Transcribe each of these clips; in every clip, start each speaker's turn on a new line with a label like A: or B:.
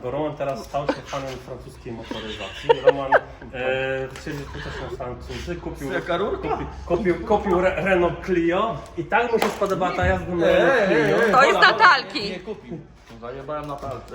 A: bo Roman teraz stał się fanem francuskiej motoryzacji. Roman chcieli też na Francuzy, kupił Renault Clio i tak mu się spodobała ta jazda na Renault Clio.
B: To jest Natalki.
C: Nie kupił. Zajebałem na palce.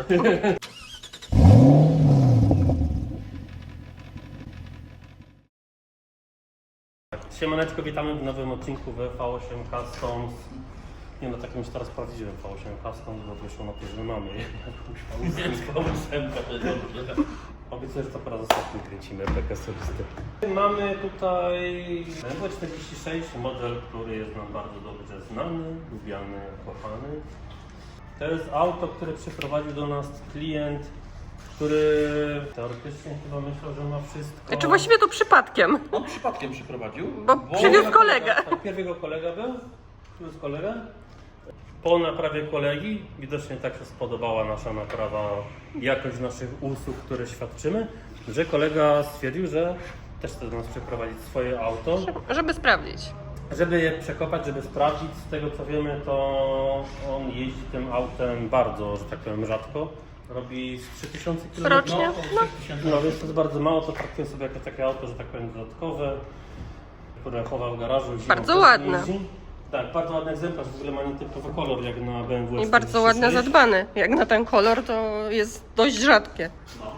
A: Siemaneczko, witamy w nowym odcinku V8 Customs. Nie no, takim już teraz prawdziwym V8 Customs, bo wyszło na to, że my mamy jakąś V8. Obiecuję, że to po raz ostatni kręcimy bekę osobisty. Mamy tutaj BMW 46, model, który jest nam bardzo dobrze znany, lubiany, kochany. To jest auto, które przyprowadził do nas klient, który teoretycznie chyba myślał, że ma wszystko.
B: Znaczy właściwie to przypadkiem,
C: On przypadkiem przyprowadził.
B: bo przywiózł kolegę.
A: Pierw jego kolega był, przywiózł kolegę. Po naprawie kolegi widocznie tak się spodobała nasza naprawa, jakość naszych usług, które świadczymy, że kolega stwierdził, że też chce do nas przeprowadzić swoje auto,
B: Żeby sprawdzić.
A: żeby je przekopać, żeby sprawdzić. Z tego co wiemy, to on jeździ tym autem bardzo, że tak powiem, rzadko. Robi z 3000 km.
B: Rocznie?
A: No więc to jest bardzo mało, to traktuję sobie jako takie auto, że tak powiem, dodatkowe, które chowa w garażu. Zimą
B: Bardzo
A: też
B: ładne.
A: jeździ. Tak, bardzo ładny egzemplarz, w ogóle ma nietypowy kolor jak na BMW.
B: I bardzo ładnie zadbany. Jak na ten kolor to jest dość rzadkie.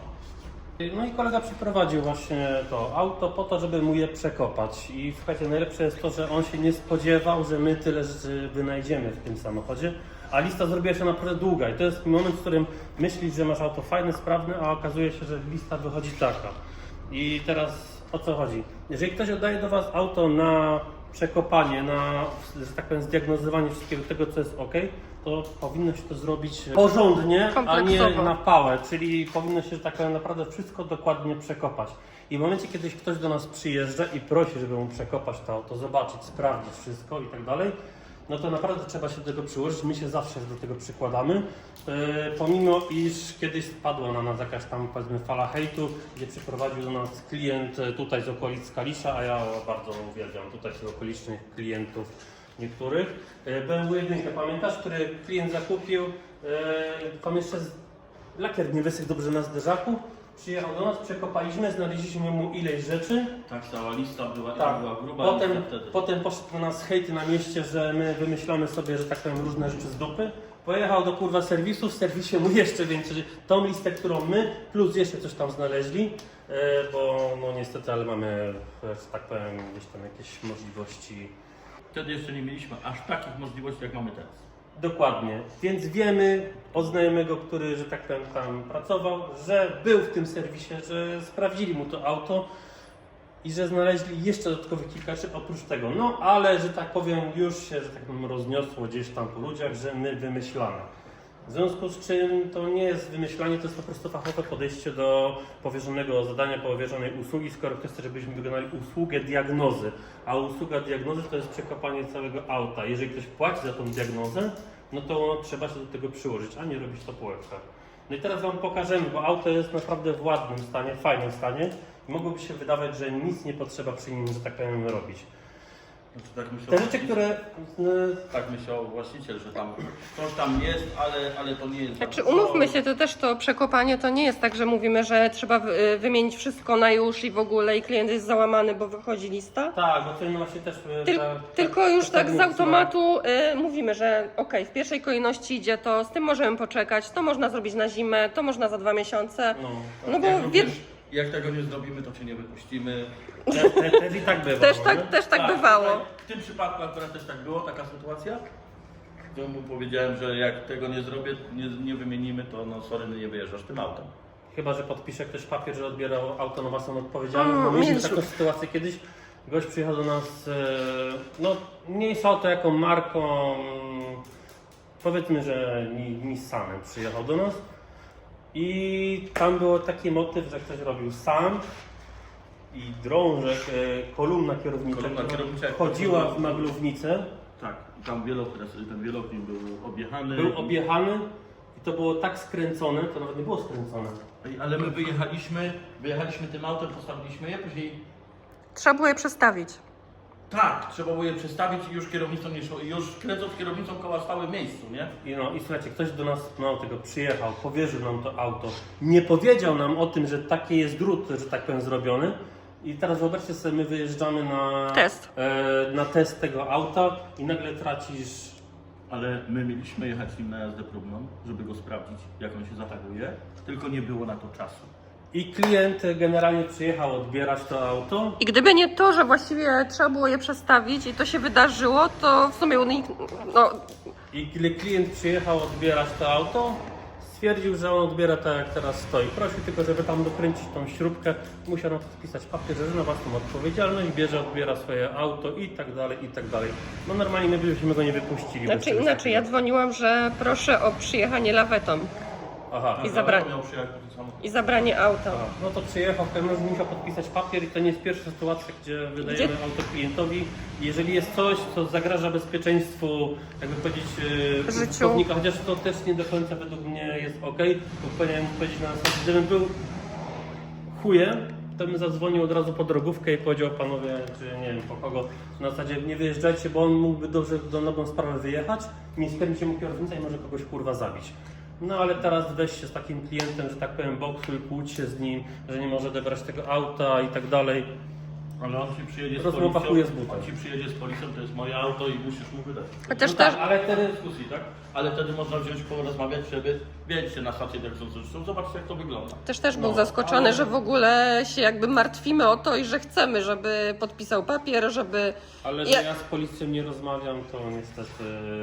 A: No i kolega przyprowadził właśnie to auto po to, żeby mu je przekopać. I słuchajcie, najlepsze jest to, że on się nie spodziewał, że my tyle rzeczy wynajdziemy w tym samochodzie. A lista zrobiła się naprawdę długa i to jest moment, w którym myślisz, że masz auto fajne, sprawne, a okazuje się, że lista wychodzi taka. I teraz o co chodzi? Jeżeli ktoś oddaje do Was auto na przekopanie, na, że tak powiem, zdiagnozowanie wszystkiego tego, co jest ok, to powinno się to zrobić porządnie, a nie
B: Kompleksowo.
A: na pałę, czyli powinno się, że tak powiem, naprawdę wszystko dokładnie przekopać. I w momencie, kiedy ktoś do nas przyjeżdża i prosi, żeby mu przekopać to auto, zobaczyć, sprawdzić wszystko i tak dalej, no to naprawdę trzeba się do tego przyłożyć. My się zawsze do tego przykładamy. Pomimo iż kiedyś spadła na nas jakaś tam, powiedzmy, fala hejtu, gdzie przyprowadził do nas klient tutaj z okolic Kalisza, a ja bardzo uwielbiam tutaj tych okolicznych klientów niektórych. BMW 1, pamiętasz, który klient zakupił, tam jeszcze lakier nie wysych dobrze na zderzaku. Przyjechał do nas, przekopaliśmy, znaleźliśmy mu ileś rzeczy.
C: Tak, cała lista była,
A: Tak.
C: była gruba.
A: Potem poszedł do nas hejty na mieście, że my wymyślamy sobie, że tak powiem, różne rzeczy z dupy. Pojechał do kurwa serwisu, w serwisie mu jeszcze więcej, tą listę, którą my, plus jeszcze coś tam znaleźli, bo no niestety, ale mamy, że tak powiem, gdzieś tam jakieś możliwości.
C: Wtedy jeszcze nie mieliśmy aż takich możliwości, jak mamy teraz.
A: Dokładnie, więc wiemy od znajomego, który, że tak powiem, tam pracował, że był w tym serwisie, że sprawdzili mu to auto i że znaleźli jeszcze dodatkowych kilka rzeczy oprócz tego. No ale, że tak powiem, już się, że tak powiem, rozniosło gdzieś tam po ludziach, że my wymyślamy. W związku z czym to nie jest wymyślanie, to jest po prostu fachowe podejście do powierzonego zadania, powierzonej usługi, skoro ktoś chce, żebyśmy wykonali usługę diagnozy, a usługa diagnozy to jest przekopanie całego auta. Jeżeli ktoś płaci za tą diagnozę, no to trzeba się do tego przyłożyć, a nie robić to po łebkach. No i teraz Wam pokażemy, bo auto jest naprawdę w ładnym stanie, fajnym stanie i mogłoby się wydawać, że nic nie potrzeba przy nim, że tak powiem, robić.
C: Znaczy, tak myślał,
A: Te rzeczy, które...
C: Tak myślał właściciel, że tam coś tam jest, ale to nie jest.
B: Znaczy umówmy się, to też to przekopanie to nie jest tak, że mówimy, że trzeba wymienić wszystko na już i w ogóle i klient jest załamany, bo wychodzi lista.
A: Tak, bo to właśnie też...
B: Tylko już tak z automatu mówimy, że okej, w pierwszej kolejności idzie to, z tym możemy poczekać, to można zrobić na zimę, to można za 2 miesiące. No bo
C: Jak tego nie zrobimy, to cię nie wypuścimy.
A: Też i tak bywa.
B: też tak bywało.
C: W tym przypadku akurat też tak było, taka sytuacja. To mu powiedziałem, że jak tego nie zrobię, nie wymienimy, to no sorry, nie wyjeżdżasz tym autem.
A: Chyba że podpisze ktoś papier, że odbierał auto na własną odpowiedzialność. Bo mieliśmy taką sytuację kiedyś. Gość przyjechał do nas, no mniejsza auto jaką marką, powiedzmy, że Nissanem przyjechał do nas. I tam był taki motyw, że ktoś robił sam i drążek, kolumna kierownicza chodziła w maglownicę.
C: Tak, tam ten wielokręt był objechany.
A: Był objechany i to było tak skręcone, to nawet nie było skręcone.
C: Ale my wyjechaliśmy tym autem, postawiliśmy je, później
B: Trzeba było je przestawić.
C: Tak, trzeba było je przestawić i już kierownicą nie szło. I już kręcąc kierownicą koła stały w miejscu, nie?
A: I słuchajcie, ktoś do nas mało tego przyjechał, powierzył nam to auto, nie powiedział nam o tym, że taki jest drut, że tak powiem, zrobiony. I teraz wyobraźcie sobie, my wyjeżdżamy na test tego auta i nagle tracisz.
C: Ale my mieliśmy jechać nim na jazdę próbną, żeby go sprawdzić, jak on się zachowuje, tylko nie było na to czasu.
A: I klient generalnie przyjechał odbierać to auto.
B: I gdyby nie to, że właściwie trzeba było je przestawić i to się wydarzyło, to w sumie no,
A: I kiedy klient przyjechał odbierać to auto, stwierdził, że on odbiera tak jak teraz stoi. Prosił tylko, żeby tam dokręcić tą śrubkę. Musiał na to spisać papier, że na własną odpowiedzialność, bierze, odbiera swoje auto i tak dalej, i tak dalej. No normalnie my byśmy go nie wypuścili. bez
B: znaczy
A: czegoś
B: inaczej, ja
A: takiego.
B: dzwoniłam, że proszę o przyjechanie lawetą
A: Aha.
B: I zabranie.
C: Miał przyjechać po to samo.
B: i zabranie auta.
A: No to przyjechał, w każdym razie musiał podpisać papier i to nie jest pierwsza sytuacja, gdzie wydajemy auto klientowi. Jeżeli jest coś, co zagraża bezpieczeństwu, jakby powiedzieć,
B: Życiu.
A: użytkownika, chociaż to też nie do końca według mnie jest ok, bo powinienem powiedzieć na zasadzie, gdybym był chujem, to bym zadzwonił od razu po drogówkę i powiedział panowie, czy nie wiem po kogo, na zasadzie nie wyjeżdżajcie, bo on mógłby dobrze do nową sprawę wyjechać, nie skręci mu kierownica i może kogoś kurwa zabić. No ale teraz weź się z takim klientem, że tak powiem, boksuj, kłóć się z nim, że nie może odebrać tego auta i tak dalej.
C: Ale on ci przyjedzie z
A: Rozmowa
C: policją,
A: chuje z butem.
C: on ci przyjedzie z policją, to jest moje auto i musisz mu wydać.
B: Chociaż
A: No
B: też,
A: tak, ale wtedy
C: Dyskusji, tak? Ale wtedy można wziąć, porozmawiać, żeby wiedźcie na stację dyrekcją, zobaczcie jak to wygląda.
B: też był
A: No,
B: zaskoczony,
A: ale-
B: że w ogóle się jakby martwimy o to i że chcemy, żeby podpisał papier, żeby...
A: Ale że ja z policją nie rozmawiam, to niestety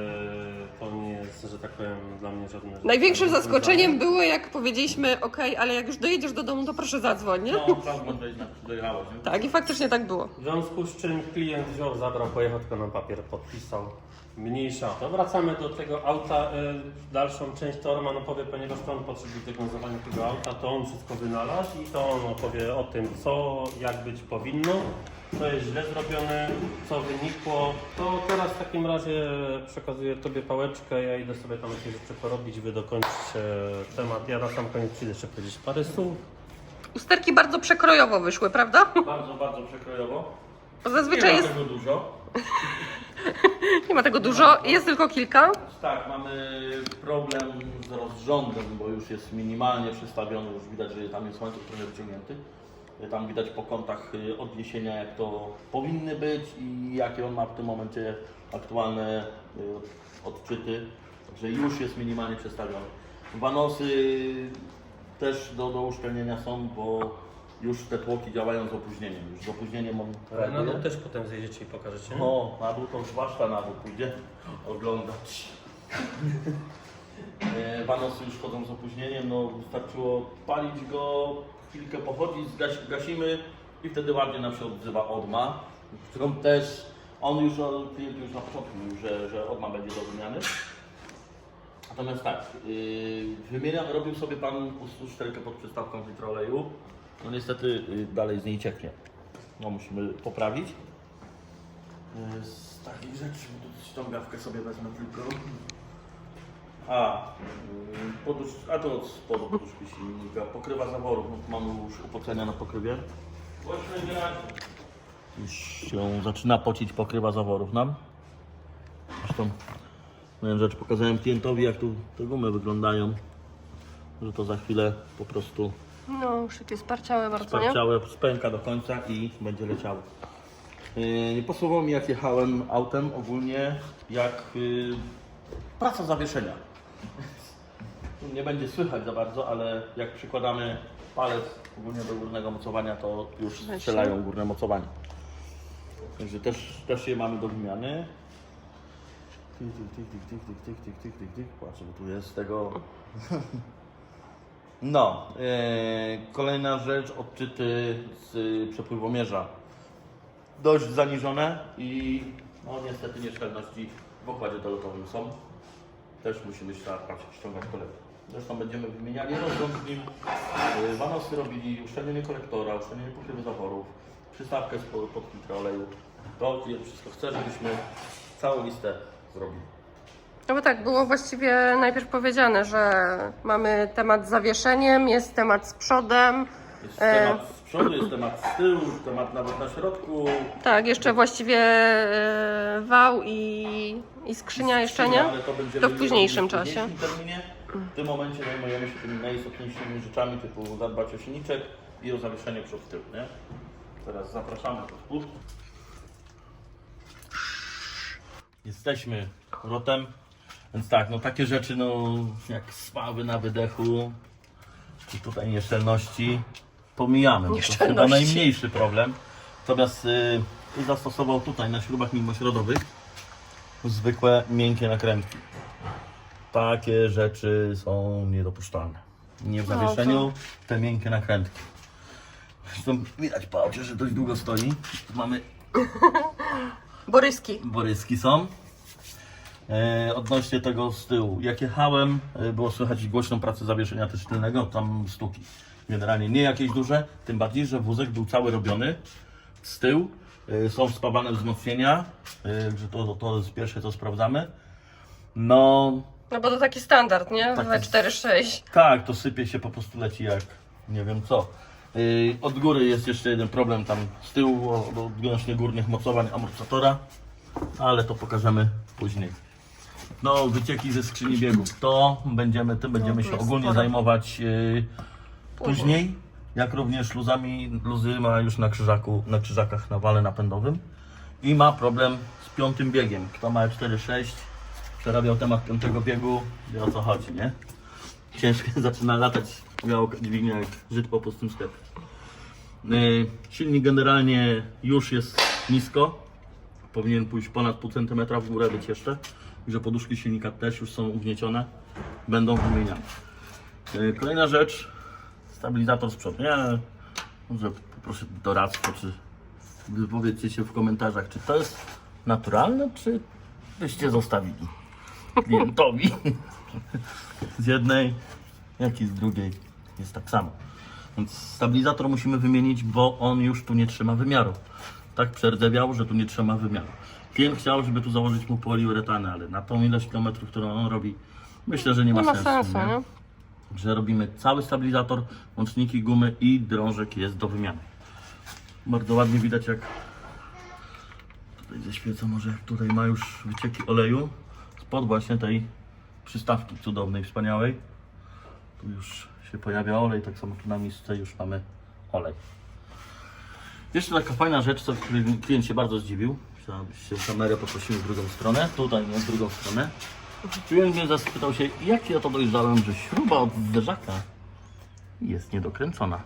A: to nie jest, że tak powiem, dla mnie żadne...
B: Największym zaskoczeniem było, jak powiedzieliśmy, okej, ale jak już dojedziesz do domu, to proszę zadzwoń, nie?
C: No, prawda, dojechałeś, nie?
B: Tak, i faktycznie tak było.
A: W związku z czym klient wziął, zabrał, pojechał tylko na papier, podpisał. Mniejsza. To wracamy do tego auta. Dalszą część to Roman opowie, ponieważ to on potrzebuje diagnozowania tego auta, to on wszystko wynalazł i to on opowie o tym, co, jak być powinno, co jest źle zrobione, co wynikło. To teraz w takim razie przekazuję Tobie pałeczkę, ja idę sobie tam jakieś rzeczy porobić, Wy dokończycie temat. Ja na sam koniec przyjdę jeszcze powiedzieć parę słów.
B: Usterki bardzo przekrojowo wyszły, prawda?
C: Bardzo, bardzo przekrojowo.
B: Bo
C: Nie
B: zazwyczaj
C: ma
B: jest,
C: tego dużo.
B: nie ma tego dużo, jest tylko kilka.
C: Tak, mamy problem z rozrządem, bo już jest minimalnie przestawiony, już widać, że tam jest łańcuch trochę wyciągnięty. Tam widać po kątach odniesienia, jak to powinny być i jakie on ma w tym momencie aktualne odczyty. Także już jest minimalnie przestawiony. Wanosy też do uszczelnienia są, bo już te tłoki działają z opóźnieniem. Już z opóźnieniem on
A: Na
C: reaguje.
A: dół też potem zjedziecie i pokażecie.
C: O, na dół to zwłaszcza na dół pójdzie oglądać. Wanosy już chodzą z opóźnieniem, no wystarczyło palić go, chwilkę pochodzić, gasimy i wtedy ładnie nam się odzywa odma. Którą też, klient już na początku mówił, że odma będzie do wymiany. Natomiast tak, robił sobie pan uszczelkę pod przystawką w litr oleju. No niestety dalej z niej cieknie. No musimy poprawić. Z takich rzeczy, bo tu ściągawkę sobie wezmę tylko. A to od spodu poduszki silnika, pokrywa zaworów, no, mamy już upocenia na pokrywie. Już się zaczyna pocić pokrywa zaworów nam. Zresztą miałem rzecz, pokazałem klientowi, jak tu te gumy wyglądają, że to za chwilę po prostu
B: No, szyty sparciałe bardzo, nie?
C: sparciałe, spęka do końca i będzie leciało. Nie posłuchało mi, jak jechałem autem ogólnie, jak praca zawieszenia. Nie będzie słychać za bardzo, ale jak przykładamy palec ogólnie do górnego mocowania, to już strzelają górne mocowanie. Także też je mamy do wymiany. Patrzę, bo tu jest tego... No, kolejna rzecz, odczyty z przepływomierza. Dość zaniżone i no niestety nieszczelności w układzie dolotowym są. Też musimy ściągać kolektor. Zresztą będziemy wymieniali rozrząd z nim. Wanosy robili, uszczelnienie kolektora, uszczelnienie pokrywy zaworów, przystawkę pod filtr oleju. To klient wszystko chce, żebyśmy całą listę zrobili.
B: No bo tak, było właściwie najpierw powiedziane, że mamy temat z zawieszeniem, jest temat z przodem.
C: Jest temat z przodu, jest temat z tyłu, temat nawet na środku.
B: Tak, jeszcze właściwie wał i skrzynia jeszcze nie?
C: Ale to będziemy
B: To w późniejszym
C: robić w
B: czasie.
C: późniejszym terminie. W tym momencie zajmujemy się tymi najistotniejszymi rzeczami, typu zadbać o silniczek i o zawieszenie przód tył, nie? Teraz zapraszamy do spód. Jesteśmy rotem, więc tak, no takie rzeczy, no jak spawy na wydechu, czy tutaj nieszczelności, pomijamy. No, to jest chyba
B: Nieszczelności.
C: najmniejszy problem. Natomiast zastosował tutaj na śrubach mimośrodowych zwykłe miękkie nakrętki. Takie rzeczy są niedopuszczalne. Nie w zawieszeniu, te miękkie nakrętki. Zresztą widać po aucie, że dość długo stoi. Tu mamy
B: Boryski.
C: boryski są. Odnośnie tego z tyłu, jak jechałem, było słychać głośną pracę zawieszenia też tylnego, tam stuki. Generalnie nie jakieś duże, tym bardziej, że wózek był cały robiony z tyłu. Są spawane wzmocnienia, że to jest pierwsze co sprawdzamy. No
B: No bo to taki standard, nie?
C: Tak
B: We
C: jest.
B: 4-6.
C: tak, to sypie się, po prostu leci jak nie wiem co. Od góry jest jeszcze jeden problem tam z tyłu odnośnie górnych mocowań amortyzatora, ale to pokażemy później. No, wycieki ze skrzyni biegów, tym będziemy się
B: jest
C: ogólnie
B: sporo.
C: zajmować później, jak również luzami. Luzy ma już na krzyżakach na wale napędowym i ma problem z piątym biegiem. Kto ma 4.6, przerabiał temat piątego biegu, wie o co chodzi, nie? Ciężko zaczyna latać, miało dźwignia jak Żyd po pustym sklepie. Silnik generalnie już jest nisko, powinien pójść ponad pół centymetra w górę, być jeszcze. Także poduszki silnika też już są ugniecione, będą wymieniane. Kolejna rzecz, stabilizator z przodu. Ja może poproszę doradztwo, czy wypowiedzcie się w komentarzach, czy to jest naturalne, czy byście zostawili klientowi. Z jednej, jak i z drugiej jest tak samo. Więc stabilizator musimy wymienić, bo on już tu nie trzyma wymiaru. Tak przerdzewiał, że tu nie trzyma wymiaru. Klient chciał, żeby tu założyć mu poliuretanę, ale na tą ilość kilometrów, którą on robi, myślę, że nie ma sensu.
B: nie?
C: Że robimy cały stabilizator, łączniki, gumy i drążek jest do wymiany. Bardzo ładnie widać, jak tutaj zaświecę, może jak tutaj ma już wycieki oleju spod właśnie tej przystawki cudownej, wspaniałej. Tu już się pojawia olej, tak samo tu na misce już mamy olej. Jeszcze taka fajna rzecz, co klient się bardzo zdziwił. Chciałbyś się kamerę poprosimy w drugą stronę, tutaj nie, w drugą stronę. Klient mnie zapytał się, jak ja to dojrzałem, że śruba od zderzaka jest niedokręcona.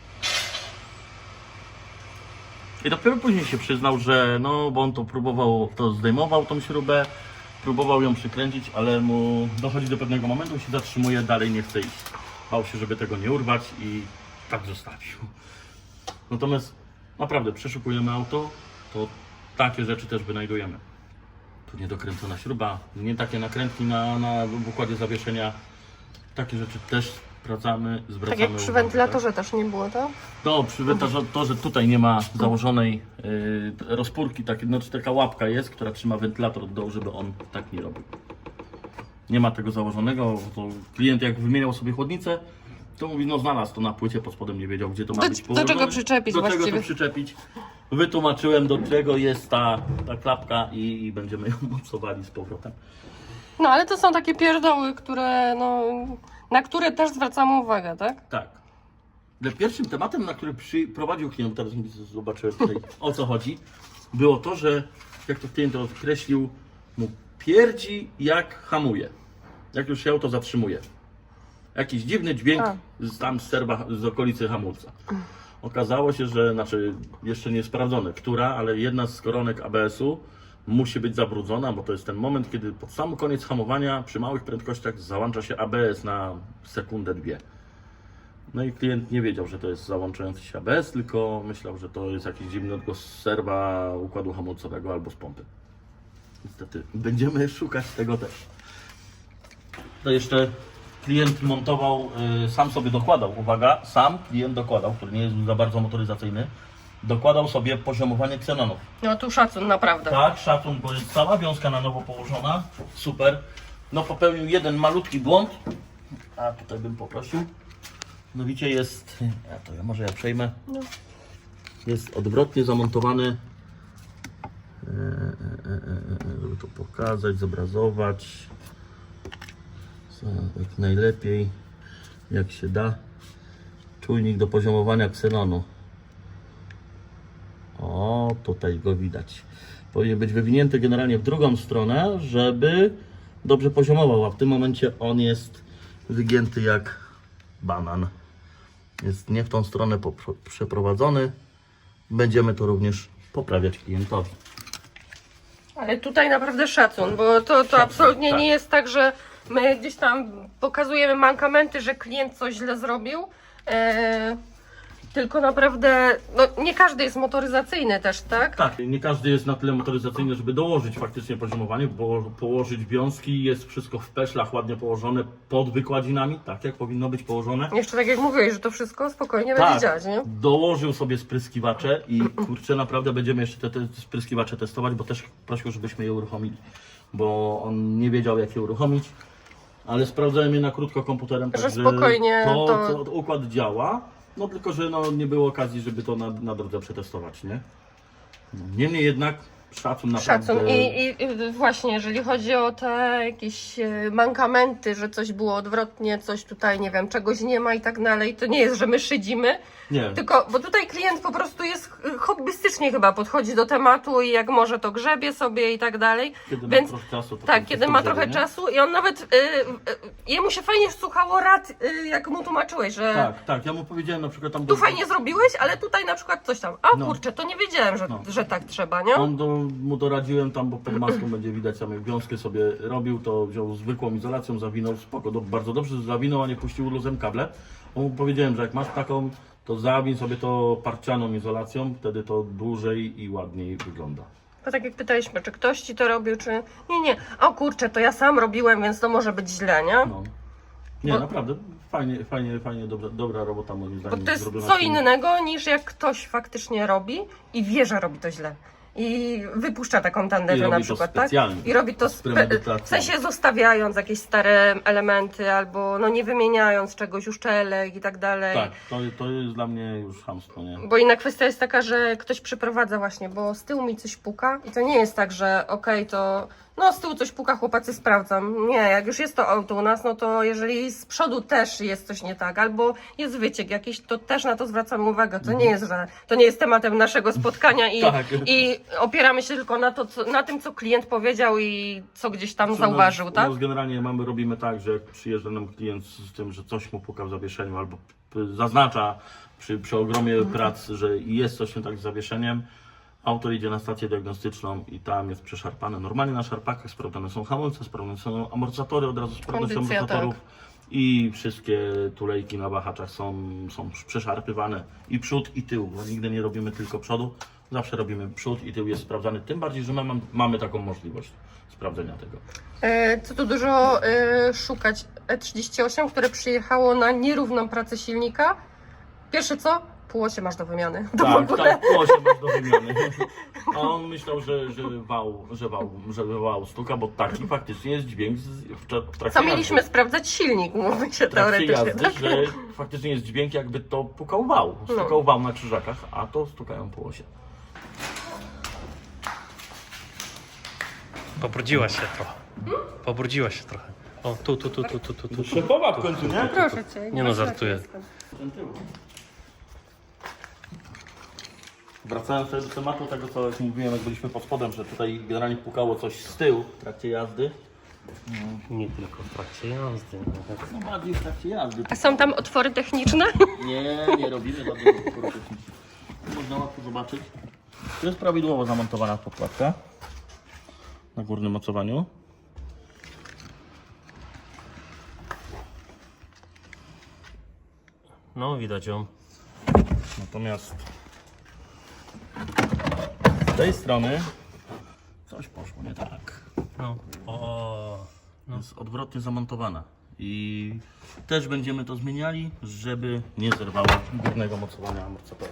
C: I dopiero później się przyznał, że no, bo on to próbował, zdejmował tą śrubę, próbował ją przykręcić, ale mu dochodzi do pewnego momentu, się zatrzymuje, dalej nie chce iść. Bał się, żeby tego nie urwać i tak zostawił. Natomiast naprawdę przeszukujemy auto, to takie rzeczy też wynajdujemy. Tu niedokręcona śruba, nie takie nakrętki na w układzie zawieszenia. Takie rzeczy też sprawdzamy, zwracamy
B: Tak jak przy
C: uwagę,
B: wentylatorze też nie było, tak?
C: No, przy wentylatorze tutaj nie ma założonej rozpórki, znaczy taka łapka jest, która trzyma wentylator od dołu, żeby on tak nie robił. Nie ma tego założonego, to klient jak wymieniał sobie chłodnicę, to mówi, no znalazł to na płycie, pod spodem nie wiedział, gdzie to ma być
B: Do
C: położone.
B: czego przyczepić
C: Do czego
B: właściwie?
C: to przyczepić. Wytłumaczyłem, do czego jest ta klapka i będziemy ją mocowali z powrotem.
B: No ale to są takie pierdoły, które, no, na które też zwracamy uwagę, tak?
C: Tak. Ale pierwszym tematem, na który prowadził klient, teraz zobaczyłem tutaj o co chodzi, było to, że jak to klient określił, mu pierdzi jak hamuje. Jak już się auto zatrzymuje. Jakiś dziwny dźwięk tam z okolicy hamulca. Okazało się, że, znaczy jeszcze nie sprawdzone, ale jedna z koronek ABS-u musi być zabrudzona, bo to jest ten moment, kiedy pod sam koniec hamowania przy małych prędkościach załącza się ABS na sekundę, dwie. No i klient nie wiedział, że to jest załączający się ABS, tylko myślał, że to jest jakiś dziwny odgłos z serwa układu hamulcowego albo z pompy. Niestety będziemy szukać tego też. To jeszcze klient montował, sam sobie dokładał, uwaga, sam klient dokładał, który nie jest za bardzo motoryzacyjny, dokładał sobie poziomowanie ksenonów.
B: No tu szacun, naprawdę.
C: Tak, szacun, bo jest cała wiązka na nowo położona, super. No popełnił jeden malutki błąd, a tutaj bym poprosił, Mianowicie jest, może ja przejmę,
B: No.
C: jest odwrotnie zamontowany, żeby to pokazać, zobrazować jak najlepiej, jak się da, czujnik do poziomowania ksenonu. O, tutaj go widać. Powinien być wywinięty generalnie w drugą stronę, żeby dobrze poziomował, a w tym momencie on jest wygięty jak banan. Jest nie w tą stronę przeprowadzony. Będziemy to również poprawiać klientowi.
B: Ale tutaj naprawdę szacun, bo to absolutnie
C: tak.
B: nie jest tak, że my gdzieś tam pokazujemy mankamenty, że klient coś źle zrobił. Tylko naprawdę, no nie każdy jest motoryzacyjny też, tak?
C: Tak, nie każdy jest na tyle motoryzacyjny, żeby dołożyć faktycznie poziomowanie, bo położyć wiązki, jest wszystko w peszlach ładnie położone pod wykładzinami, tak jak powinno być położone.
B: Jeszcze tak jak mówiłeś, że to wszystko spokojnie
C: Tak,
B: będzie działać, nie?
C: dołożył sobie spryskiwacze i kurczę, naprawdę będziemy jeszcze te spryskiwacze testować, bo też prosił, żebyśmy je uruchomili, bo on nie wiedział, jak je uruchomić, ale sprawdzałem je na krótko komputerem,
B: Że
C: także
B: spokojnie
C: to układ działa, no tylko, że no, nie było okazji, żeby to na drodze przetestować, nie? Niemniej jednak szacun naprawdę.
B: Szacun. I właśnie, jeżeli chodzi o te jakieś mankamenty, że coś było odwrotnie, coś tutaj, nie wiem, czegoś nie ma i tak dalej, to nie jest, że my szydzimy,
C: Nie.
B: tylko, bo tutaj klient po prostu jest hobbystycznie chyba podchodzi do tematu i jak może to grzebie sobie i tak dalej.
C: Kiedy
B: Więc
C: ma trochę czasu. To
B: tak,
C: to
B: kiedy
C: to
B: ma
C: grzebie,
B: trochę
C: nie?
B: czasu i on nawet, jemu się fajnie słuchało rad, jak mu tłumaczyłeś, że
C: Tak, tak, ja mu powiedziałem na przykład tam...
B: tu fajnie zrobiłeś, ale tutaj na przykład coś tam, a
C: No.
B: kurczę, to nie wiedziałem, że,
C: No.
B: że tak trzeba, nie?
C: Mu doradziłem tam, bo pod maską będzie widać, sam jak wiązkę sobie robił, to wziął zwykłą izolacją, zawinął, spoko, bardzo dobrze zawinął, a nie puścił luzem kable. Mu powiedziałem, że jak masz taką, to zawin sobie to parcianą izolacją, wtedy to dłużej i ładniej wygląda.
B: Bo tak jak pytaliśmy, czy ktoś ci to robił, czy nie, o kurczę, to ja sam robiłem, więc to może być źle, nie?
C: No. Nie,
B: Bo-
C: naprawdę, fajnie, dobra robota moim
B: Bo
C: zdaniem.
B: to jest
C: zrobiona
B: co
C: w tym-
B: innego niż jak ktoś faktycznie robi i wie, że robi to źle. I wypuszcza taką
C: I
B: tandetę
C: robi
B: na
C: to
B: przykład, tak?
C: specjalnie.
B: I robi to
C: Z premedytacją.
B: w sensie zostawiając jakieś stare elementy albo no nie wymieniając czegoś, uszczelek i tak dalej.
C: Tak, to jest dla mnie już chamstwo, nie?
B: Bo inna kwestia jest taka, że ktoś przyprowadza właśnie, bo z tyłu mi coś puka i to nie jest tak, że okej, to no z tyłu coś puka, chłopacy sprawdzam. Nie, jak już jest to auto u nas, no to jeżeli z przodu też jest coś nie tak, albo jest wyciek jakiś, to też na to zwracamy uwagę. To nie jest, że to nie jest tematem naszego spotkania
C: Tak.
B: i opieramy się tylko na, na tym, co klient powiedział i co gdzieś tam zauważył, tak?
C: U nas generalnie robimy tak, że jak przyjeżdża nam klient z tym, że coś mu puka w zawieszeniu albo zaznacza przy ogromie prac, że jest coś nie tak z zawieszeniem, autor idzie na stację diagnostyczną i tam jest przeszarpane. Normalnie na szarpakach sprawdzane są hamulce, sprawdzane są amortyzatory, od razu sprawdzone są
B: Kondycja,
C: amortyzatorów i wszystkie tulejki na wahaczach są przeszarpywane i przód i tył, bo nigdy nie robimy tylko przodu, zawsze robimy przód i tył jest sprawdzany, tym bardziej, że my mamy taką możliwość sprawdzenia tego.
B: Co tu dużo szukać? E38, które przyjechało na nierówną pracę silnika. Pierwsze co? Półosie masz do wymiany. To w
C: Tak,
B: ogóle.
C: tak, się masz do wymiany. A on myślał, że wał stuka, bo taki faktycznie jest dźwięk w trakcie
B: Co mieliśmy
C: jazdy.
B: sprawdzać silnik, mówi się
C: W trakcie
B: teoretycznie.
C: jazdy,
B: Tak?
C: że faktycznie jest dźwięk, jakby to pukał wał. Stukał wał na krzyżakach, a to stukają półosie.
A: Pobrudziła się trochę. Pobrudziła się trochę. O, tu.
C: Szefowa w końcu, nie?
B: Proszę cię.
A: Nie no, żartuję.
C: Wracając do tematu tego, co już mówiłem, jak byliśmy pod spodem, że tutaj generalnie pukało coś z tyłu w trakcie jazdy.
A: Nie tylko w trakcie jazdy. Nawet.
C: No bardziej w trakcie jazdy.
B: A są tam otwory techniczne?
C: Nie robimy żadnego utworu technicznego. Można łatwo zobaczyć. To jest prawidłowo zamontowana podkładka na górnym mocowaniu.
A: No, widać ją.
C: Natomiast z tej strony coś poszło nie tak.
A: No. O. No.
C: Jest odwrotnie zamontowana. I też będziemy to zmieniali, żeby nie zerwało górnego mocowania amortyzatora.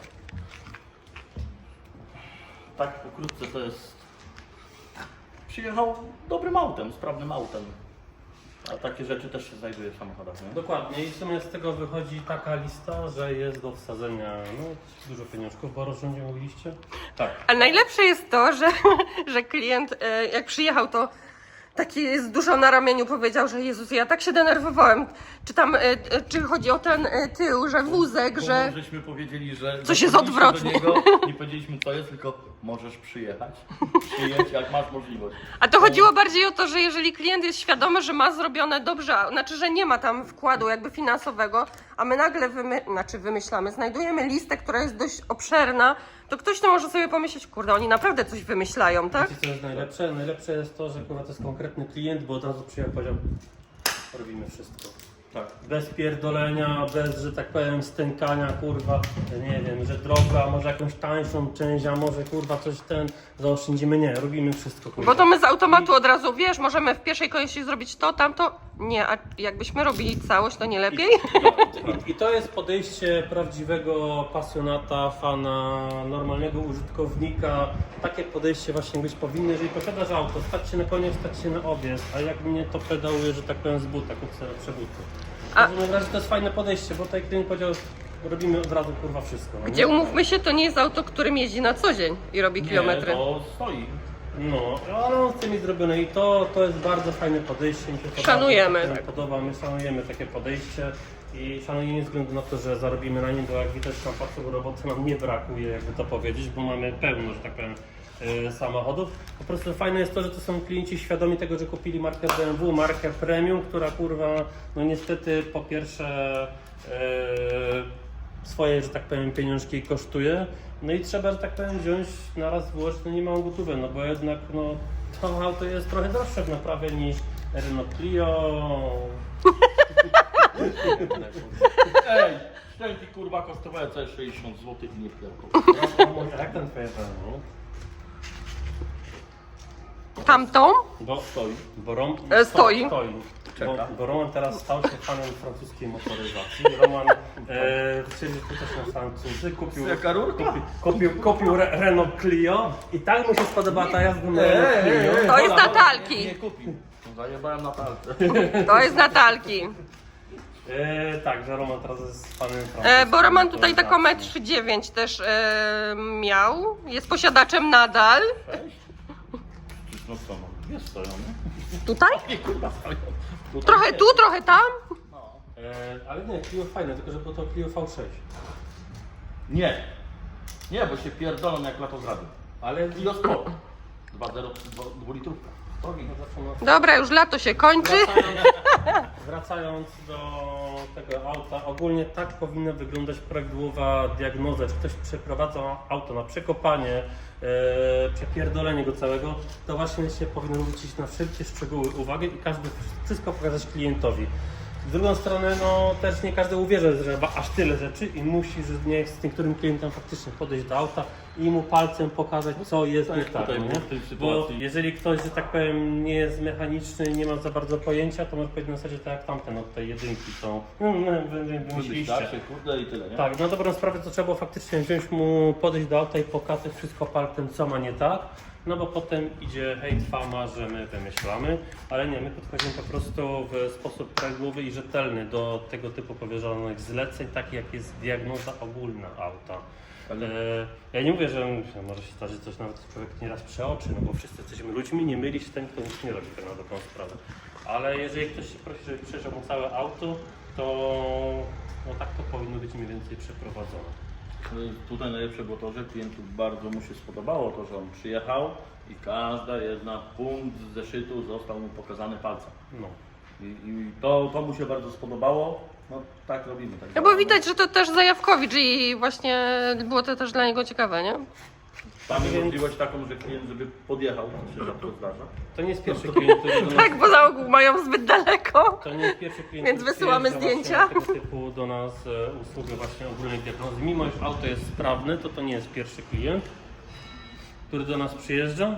C: Tak pokrótce to jest... Przyjechał dobrym autem, sprawnym autem. A takie rzeczy też się znajduje w samochodach, nie?
A: Dokładnie i w sumie z tego wychodzi taka lista, że jest do wsadzenia no, dużo pieniążków, bo o rozrządzie mówiliście?
C: Tak.
B: A najlepsze jest to, że klient jak przyjechał, to taki z dużo na ramieniu powiedział, że Jezus, ja tak się denerwowałem. Czy tam, czy chodzi o ten tył, że wózek,
C: Bo
B: że...
C: żeśmy powiedzieli, że...
B: Coś jest
C: zadzwoniliśmy
B: odwrotnie.
C: do niego, nie powiedzieliśmy co jest, tylko możesz przyjechać. Przyjedź jak masz możliwość.
B: A to chodziło bardziej o to, że jeżeli klient jest świadomy, że ma zrobione dobrze, znaczy, że nie ma tam wkładu jakby finansowego, a my nagle wymyślamy, znajdujemy listę, która jest dość obszerna, to ktoś to może sobie pomyśleć, kurde, oni naprawdę coś wymyślają, tak?
A: Wiecie co jest najlepsze? Najlepsze jest to, że kurwa to jest konkretny klient, bo od razu przyjechał i powiedział robimy wszystko.
C: Tak.
A: Bez pierdolenia, bez, że tak powiem, stękania, kurwa, nie wiem, że droga, może jakąś tańszą część, a może kurwa coś zaoszczędzimy. Nie, robimy wszystko, kurwa.
B: Bo to my z automatu od razu, wiesz, możemy w pierwszej kolejności zrobić to, tamto. Nie, a jakbyśmy robili całość, to nie lepiej?
A: I to jest podejście prawdziwego pasjonata, fana, normalnego użytkownika. Takie podejście właśnie być powinno, jeżeli posiadasz auto, stać się na koniec, stać się na objazd, a jak mnie to pedałuje, że tak powiem z buta, kupię lepsze buty.
B: A-
A: W każdym razie to jest fajne podejście, bo tutaj klient powiedział, robimy od razu kurwa wszystko. No, nie?
B: Gdzie umówmy się, to nie jest auto, którym jeździ na co dzień i robi kilometry.
C: Nie, to stoi.
A: No, ale on chce mieć zrobione i to jest bardzo fajne podejście. Mi się podoba,
B: Szanujemy,
A: mi się
B: tak.
A: podoba, my szanujemy takie podejście i szanujemy nie względu na to, że zarobimy na nim, bo jak widać tam patrzę, roboty nam nie brakuje, jakby to powiedzieć, bo mamy pełno, że tak powiem, samochodów. Po prostu fajne jest to, że to są klienci świadomi tego, że kupili markę BMW, markę premium, która kurwa, no niestety po pierwsze swoje, że tak powiem, pieniążki kosztuje. No i trzeba, że tak powiem, wziąć na raz włożyć, no nie małą gotówę, no bo jednak no, to auto jest trochę droższe w naprawie niż Renault Clio.
C: Ej, szczęki kurwa kosztowały całe 60 zł i nie pierdol.
A: Jak ten twoje BMW?
B: Tamtą?
A: Bo
C: Stoi.
B: Stoi.
C: Czeka.
A: Bo Roman teraz stał się fanem francuskiej motoryzacji. Roman chcieli też na Francuzy,
C: Jaka rurka?
A: kupił Renault Clio i tak mu się spodobała ta jazda na Renault Clio.
B: To jest Natalki.
C: Nie kupił. Zajebałem na palce.
B: To jest Natalki.
A: Tak, że Roman teraz jest fanem francuskiej
B: Bo Roman tutaj taką
A: motoryzacji.
B: 1,9 m też miał. Jest posiadaczem nadal.
C: Cześć. No co no, jest stoją, nie?
B: Tutaj?
C: Nie kurwa stoją. Tutaj
B: Trochę
C: nie.
B: tu, trochę tam.
C: No.
A: Ale nie, Clio fajne, tylko że było to Clio V6.
C: Nie. Nie, bo się pierdolą jak lato zrobią.
A: Ale
C: Kilo sport. 2,0, 2 litrówka. Drogi.
B: Dobra, już lato się kończy.
A: Wracając do tego auta, ogólnie tak powinna wyglądać prawidłowa diagnoza. Czy ktoś przeprowadza auto na przekopanie, przepierdolenie go całego, to właśnie się powinno zwrócić na wszelkie szczegóły uwagę i wszystko pokazać klientowi. Z drugą stronę, no też nie każdy uwierzy, że ma aż tyle rzeczy i musi, że nie z niektórym klientem faktycznie podejść do auta i mu palcem pokazać, co jest
C: Tak,
A: nie tak.
C: tutaj
A: No,
C: w
A: nie?
C: tej
A: Bo
C: sytuacji.
A: jeżeli ktoś, że tak powiem, nie jest mechaniczny, nie ma za bardzo pojęcia, to może powiedzieć na zasadzie tak jak tamten od tej jedynki, co wymyśliliście.
C: Wystarczy, kurde i tyle, nie?
A: Tak, na dobrą sprawę to trzeba było faktycznie wziąć mu, podejść do auta i pokazać wszystko palcem, co ma nie tak. No bo potem idzie hejt, fama, że my wymyślamy, ale nie, my podchodzimy po prostu w sposób prawidłowy i rzetelny do tego typu powierzonych zleceń, takich jak jest diagnoza ogólna auta. Ja nie mówię, że może się zdarzyć coś nawet człowiek nieraz przeoczy, no bo wszyscy jesteśmy ludźmi, nie myli się ten, kto nic nie robi, tak na dobrą sprawę. Ale jeżeli ktoś się prosi, żeby przejrzał mu całe auto, to no tak to powinno być mniej więcej przeprowadzone.
C: Tutaj najlepsze było to, że klientów bardzo mu się spodobało to, że on przyjechał i każda jedna punkt z zeszytu został mu pokazany palcem.
A: No.
C: I to mu się bardzo spodobało. No tak robimy. Tak
B: No bo widać, że to też Zajawkowicz i właśnie było to też dla niego ciekawe, nie?
C: Mamy możliwość taką, że klient, żeby podjechał, to się rzadko zdarza.
A: To nie jest pierwszy klient, który do nas...
B: Tak, bo za ogół mają zbyt daleko.
A: To nie jest pierwszy klient,
B: Więc
A: który
B: wysyłamy
A: przyjeżdża
B: zdjęcia.
A: właśnie Tego typu do nas usługę właśnie ogólnej diagnozy. Mimo iż auto jest sprawne, to nie jest pierwszy klient, który do nas przyjeżdża.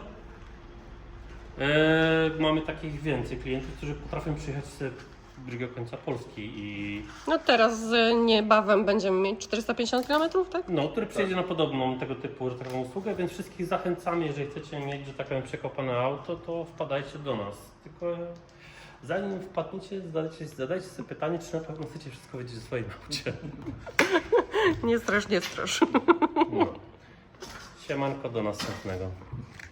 A: Mamy takich więcej klientów, którzy potrafią przyjechać z drugiego końca Polski i
B: No teraz niebawem będziemy mieć 450 km, tak?
A: no, który przyjedzie na podobną tego typu, że tak powiem, usługę, więc wszystkich zachęcamy, jeżeli chcecie mieć, że tak powiem, przekopane auto, to wpadajcie do nas. Tylko zanim wpadniecie, zadajcie sobie pytanie, czy na pewno chcecie wszystko wiedzieć o swoim aucie.
B: Nie strasz, nie strasz.
A: No. Siemanko, do następnego.